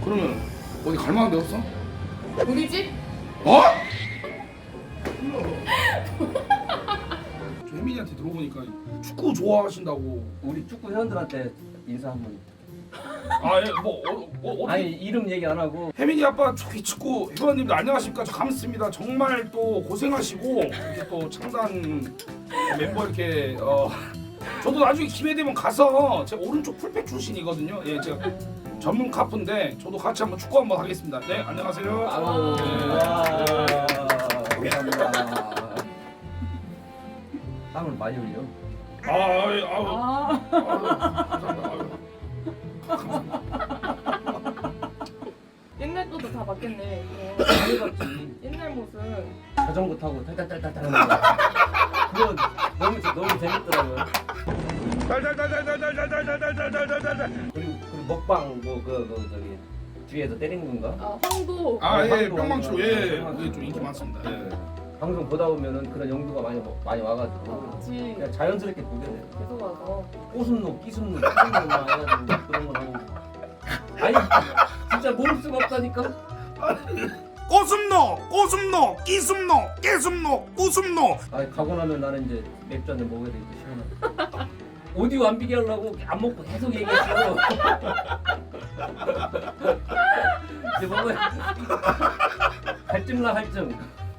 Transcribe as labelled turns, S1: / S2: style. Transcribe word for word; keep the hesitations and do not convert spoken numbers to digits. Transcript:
S1: 그러면 어디 갈 만한 데 없어?
S2: 우리 집?
S1: 어? 저 혜민이한테 들어보니까 축구 좋아하신다고.
S3: 우리 축구 회원들한테 인사 한번.
S1: 아예뭐 어, 어, 어,
S3: 아니 이름 얘기 안 하고.
S1: 혜민이 아빠 초기 축구 회원님들 안녕하십니까? 저 감스입니다. 정말 또 고생하시고 이렇게 또 창단 멤버 이렇게 어 저도 나중에 기회 되면 가서 제가 오른쪽 풀백 출신이거든요. 예 제가 전문 카프인데 저도 같이 한번 축구 한번 하겠습니다. 네 안녕하세요.
S3: 아우
S1: 네.
S3: 와 감사합니다. 땀을 많이 흘려.
S1: 아유 아유
S2: 아.
S1: 감사합니다. 아유.
S2: 옛날 것도 다 바뀌었네. 어.
S3: 많이 봤지.
S2: 옛날 모습.
S3: 자전거 타고 탈탈탈탈탈 하는 거. 그거 너무 재- 너무 재밌더라고요.
S1: 달달달달달달달달달달달달달.
S3: 그리고 그리고 먹방 뭐그 그 저기 뒤에서 때리는 건가?
S2: 아 황도.
S1: 아예
S3: 황도,
S1: 뿅망치로
S3: 황도.
S1: 예
S3: 황도.
S1: 그게 좀 인기 많습니다. 예.
S3: 방송 보다 보면은 그런 연구가 많이 많이 와가지고
S2: 아 그치.
S3: 그냥 자연스럽게 보게 돼.
S2: 계속 와서.
S3: 꼬순노, 끼순노, 끼순노 막 해가지고 그런 거 하고. 아니 진짜 모를 수가 없다니까.
S1: 꼬숨노, 꼬숨노, 끼숨노, 깨숨노, 꾸숨노.
S3: 아니 가고 나면 나는 이제 맥주 한잔 먹어야 되겠다 시원하게. 오디오 안 비게 하려고 안 먹고 계속 얘기했어. 이제 먹어야 갈증나 갈증.